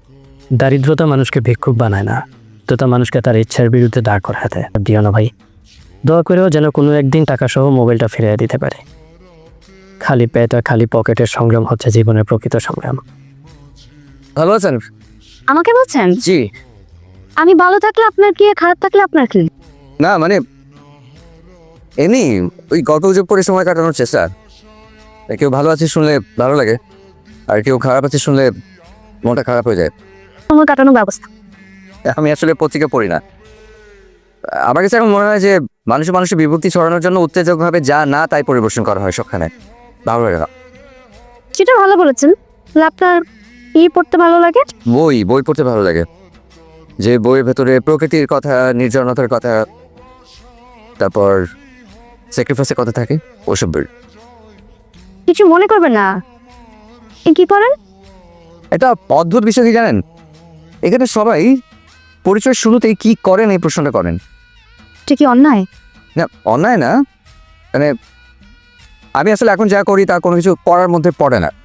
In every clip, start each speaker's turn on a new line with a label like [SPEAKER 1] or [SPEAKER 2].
[SPEAKER 1] দারিদ্রতা মানুষকে ভিক্ষুক বানায় না, দ্রুত মানুষকে তার ইচ্ছার বিরুদ্ধে দাঁড় করাতে। দিও না ভাই, দোয়া করেও যেন কোনো একদিন টাকাসহ মোবাইলটা ফিরিয়ে দিতে পারে। খালি পেট আর খালি পকেটের সংগ্রাম হচ্ছে জীবনের প্রকৃত সংগ্রাম।
[SPEAKER 2] ভালো আছেন?
[SPEAKER 3] আমাকে বলছেন?
[SPEAKER 2] জি
[SPEAKER 3] আমি ভালো থাকলে আপনার কি, খারাপ থাকলে আপনার কি?
[SPEAKER 2] না মানে এমনি ওই গল্প গুজব করে সময় কাটানোর চেষ্টা। কেউ ভালো আছে শুনলে ভালো লাগে, আর কেউ খারাপ আছে শুনলে মনটা খারাপ হয়ে যায়।
[SPEAKER 3] সময় কাটানোর ব্যবস্থা।
[SPEAKER 2] আমি আসলে পত্রিকা পড়ি না। আমার কাছে এখন মনে হয় যে মানুষের বিভক্তি ছড়ানোর জন্য উত্তেজকভাবে যা না তাই পরিবেশন করা হয় সবখানে। ভালো লাগে না।
[SPEAKER 3] সেটা ভালো বলেছেন। তাহলে আপনার কি পড়তে ভালো লাগে?
[SPEAKER 2] বই পড়তে ভালো লাগে, যে বইয়ের ভেতরে প্রকৃতির কথা, নির্জনতার কথা, তারপর স্যাক্রিফাইসের কথা থাকে, ওসব বই।
[SPEAKER 3] কিছু মনে করবেন না। কি করেন?
[SPEAKER 2] এটা অদ্ভুত বিষয় কি জানেন, এখানে সবাই পরিচয় শুরুতেই কি করেন এই প্রশ্নটা করেন।
[SPEAKER 3] এটা কি অন্যায়?
[SPEAKER 2] না অন্যায় না, মানে আমি আসলে এখন যা করি তা কোনো কিছু করার মধ্যে পড়ে না।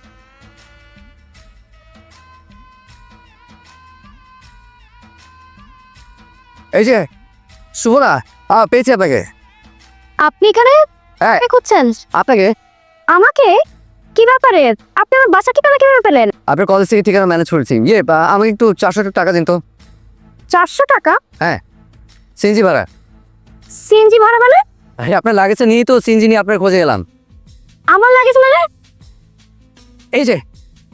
[SPEAKER 2] এই যে শুভনা, পেয়েছি আপনাকে।
[SPEAKER 3] আপনি এখানে
[SPEAKER 2] হ্যাঁ।
[SPEAKER 3] কি করছেন?
[SPEAKER 2] আপনাকে
[SPEAKER 3] আমাকে? কি ব্যাপারে? আপনি আমার বাসা ঠিকানা কিভাবে পেলেন?
[SPEAKER 2] আপনার কলেজ থেকে ঠিকানা ম্যানেজ করেছি। আমাকে একটু 400 টাকা দিন তো।
[SPEAKER 3] 400 টাকা?
[SPEAKER 2] হ্যাঁ, সিএনজি ভাড়া।
[SPEAKER 3] সিএনজি ভাড়া মানে?
[SPEAKER 2] আপনার লাগেছে নিয়ে তো সিএনজি নিয়ে আপনার খোঁজে এলাম।
[SPEAKER 3] আমার লাগেজ মানে?
[SPEAKER 2] এই যে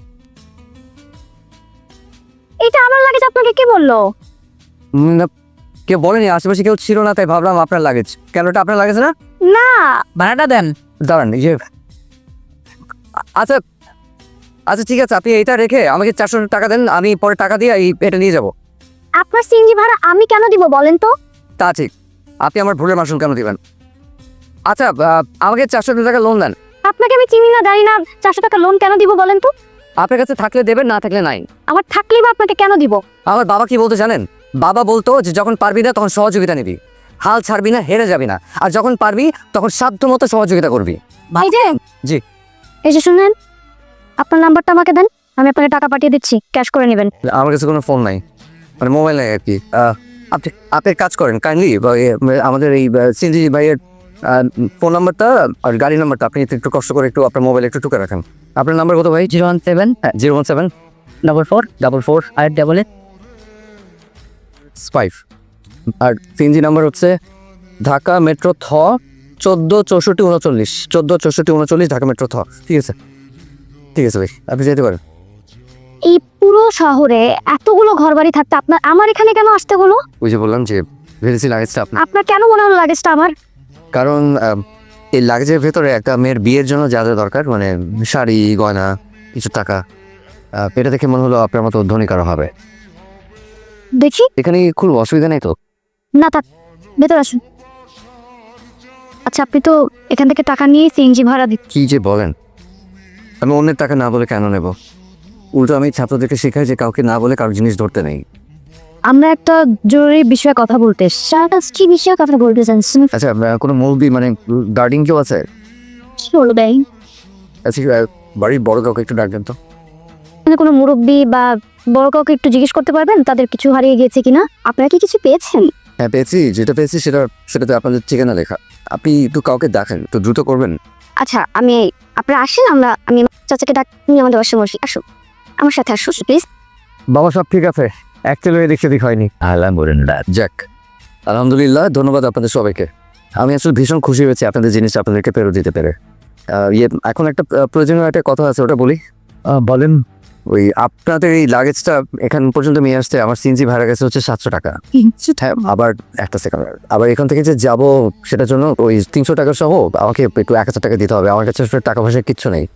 [SPEAKER 3] এটা আমার লাগেজ, আপনাকে কে বললো?
[SPEAKER 2] না, কেউ বলেনি, আশেপাশে কেউ ছিল না, তাই ভাবলাম আপনার লাগেজ। কেন, এটা আপনার লাগেজ না?
[SPEAKER 3] না।
[SPEAKER 2] ভাড়াটা দেন। দাঁড়ান, এই যে আচ্ছা আচ্ছা ঠিক আছে, আপনি এইটা রেখে আমাকে 400 টাকা দেন, আমি পরে টাকা দিয়ে এটা নিয়ে যাব।
[SPEAKER 3] আপনার সিএনজি ভাড়া আমি কেন দিব বলেন তো?
[SPEAKER 2] তা ঠিক, আপনি আমার ভুলের মাসুল কেন দিবেন? আচ্ছা আমাকে 400 টাকা লোন দেন।
[SPEAKER 3] আপনাকে আমি চিনি না, জানি না, 400 টাকা লোন কেন দিব বলেন তো?
[SPEAKER 2] আপনার কাছে থাকলে দেবেন, না থাকলে নাই।
[SPEAKER 3] আমার থাকলেই বা আপনাকে কেন দিব?
[SPEAKER 2] আমার বাবা কি বলতে জানেন? বাবা বলতো যে যখন পারবি না তখন সহযোগিতা নিবি, হাল ছাড়বি না, হেরে যাবি না, আর যখন পারবি তখন সাধ্য মতো সহযোগিতা করবি।
[SPEAKER 3] এই যে
[SPEAKER 2] জি।
[SPEAKER 3] এই যে শুনেন, আপনার নাম্বারটা আমাকে দেন, আমি আপনাকে টাকা পাঠিয়ে দিচ্ছি, ক্যাশ করে নেবেন।
[SPEAKER 2] আমার কাছে কোনো ফোন নাই, মানে মোবাইল নাই আর কি। আপনি আপনি কাজ করেন, কাইন্ডলি আমাদের এই সিনজি ভাইয়ের ফোন নাম্বারটা আর গাড়ি নাম্বারটা আপনি একটু কষ্ট করে একটু আপনার মোবাইলে একটু টুকে রাখেন। আপনার নাম্বার কত ভাই?
[SPEAKER 1] 017
[SPEAKER 2] হ্যাঁ 017
[SPEAKER 1] 44 888
[SPEAKER 2] 5। আর সিএনজি নাম্বার হচ্ছে ঢাকা মেট্রো থ 14 64 39 14 64 39 ঢাকা মেট্রো থ। ঠিক আছে ঠিক আছে ভাই, আপনি যেতে পারেন।
[SPEAKER 3] এই পুরো শহরে এতগুলো ঘরবাড়ি থাকতে আপনার আমার এখানে কেন আসতে হলো?
[SPEAKER 2] ওই যে বললাম যে ভেবেছি লাগেজটা আপনার।
[SPEAKER 3] আপনার কেন মনে হলো লাগেজটা আমার?
[SPEAKER 2] কারণ এই লাগেজের ভেতরে একটা মেয়ের বিয়ের জন্য যা যা দরকার, মানে শাড়ি, গয়না, কিছু টাকা, এটা দেখে মনে হলো আপনার মতো ধনী কারো হবে।
[SPEAKER 3] দেখি।
[SPEAKER 2] এখানে খুব অসুবিধা নেই তো?
[SPEAKER 3] না থাক, ভেতর আসুন। আচ্ছা, আপনি তো এখান থেকে টাকা নিয়ে সিএনজি ভাড়া দিচ্ছেন।
[SPEAKER 2] কি যে বলেন, আমি অন্যের টাকা না বলে কেন নেব? উল্টো আমি ছাত্রদেরকে শেখাই যে কাউকে না বলে কারো জিনিস ধরতে নেই।
[SPEAKER 3] আমরা একটা জরুরি বিষয়ে কথা বলতে। কি বিষয়ে কথা বলতে চাচ্ছেন?
[SPEAKER 2] আচ্ছা কোনো মুরব্বি মানে গার্ডিং কেউ আছে?
[SPEAKER 3] কি হলো ভাই?
[SPEAKER 2] আচ্ছা বাড়ির বড় কাউকে একটু ডাকবেন তো।
[SPEAKER 3] কোনো মুরব্বী বা বড় কাউকে একটু জিজ্ঞেস করতে পারবেন তাদের কিছু হারিয়ে গিয়েছে কিনা? আপনারা কি কিছু পেয়েছেন?
[SPEAKER 2] হ্যাঁ পেয়েছি, যেটা পেয়েছি সেটাতে আপনাদের ঠিকানা লেখা। আপনি একটু কাউকে দেখেন, একটু দ্রুত করবেন।
[SPEAKER 3] আচ্ছা, আপনারা আসেন, আমি চাচাকে ডাক নিয়ে আমাদের বাসায় বসি। আসুন, আমার সাথে আসুন প্লিজ।
[SPEAKER 2] বাবা সব ঠিক আছে, অ্যাকচুয়ালি দেখতে ঠিক হয়নি। আলহামদুলিল্লাহ, যাক আলহামদুলিল্লাহ, ধন্যবাদ আপনাদের সবাইকে। আমি আসলে ভীষণ খুশি হয়েছি আপনাদের জিনিস আপনাদেরকে ফেরত দিতে পেরে। এখন একটা প্রয়োজনীয় একটা কথা আছে, ওটা বলি।
[SPEAKER 1] বলেন।
[SPEAKER 2] ওই আপনাদের এই লাগেজটা এখান পর্যন্ত নিয়ে আসতে আমার সিএনজি ভাড়া গেছে হচ্ছে 700 টাকা। হ্যাঁ, আবার একটা সেকেন্ড, আবার এখান থেকে যে যাব সেটার জন্য ওই 300 টাকা সহ আমাকে একটু 1000 টাকা দিতে হবে। আমার কাছে আসলে টাকা পয়সা কিচ্ছু নেই।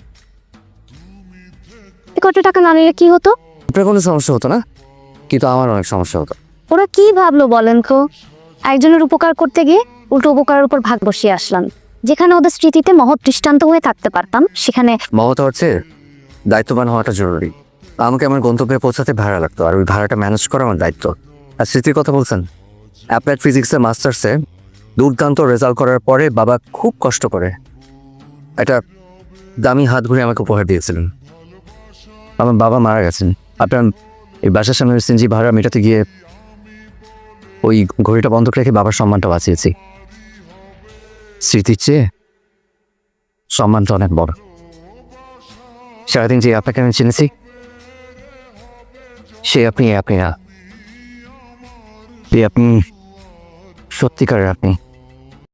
[SPEAKER 3] কত টাকা না নিলে কি হতো?
[SPEAKER 2] আপনার কোনো সমস্যা হতো না, কিন্তু আমার অনেক সমস্যা হতো।
[SPEAKER 3] ওরা কি ভাবলো বলেন তো? একজনের উপকার করতে গিয়ে উল্টো উপকারের উপর ভাগ বসিয়ে আসলাম। যেখানে ওদের স্মৃতিতে মহৎ দৃষ্টান্ত হয়ে থাকতে পারতাম, সেখানে
[SPEAKER 2] মহৎ হচ্ছে দায়িত্ববান হওয়াটা জরুরি। আমাকে আমার গন্তব্যে পৌঁছাতে ভাড়া লাগতো, আর ওই ভাড়াটা ম্যানেজ করা আমার দায়িত্ব। আর স্মৃতির কথা বলছেন, অ্যাপ্লাইড ফিজিক্সের মাস্টার্সে দুর্দান্ত রেজাল্ট করার পরে বাবা খুব কষ্ট করে একটা দামি হাত ঘুরে আমাকে উপহার দিয়েছিলেন। আমার বাবা মারা গেছেন, আপনার এই বাসার সামনে সিএনজি ভাড়া মেটাতে গিয়ে ওই ঘড়িটা বন্ধক রেখে বাবার সম্মানটা বাঁচিয়েছি। স্মৃতির চেয়ে সম্মানটা অনেক বড়। সারাদিন যে আপনাকে আমি চিনেছি সে আপনি না, আপনি সত্যিকারের আপনি।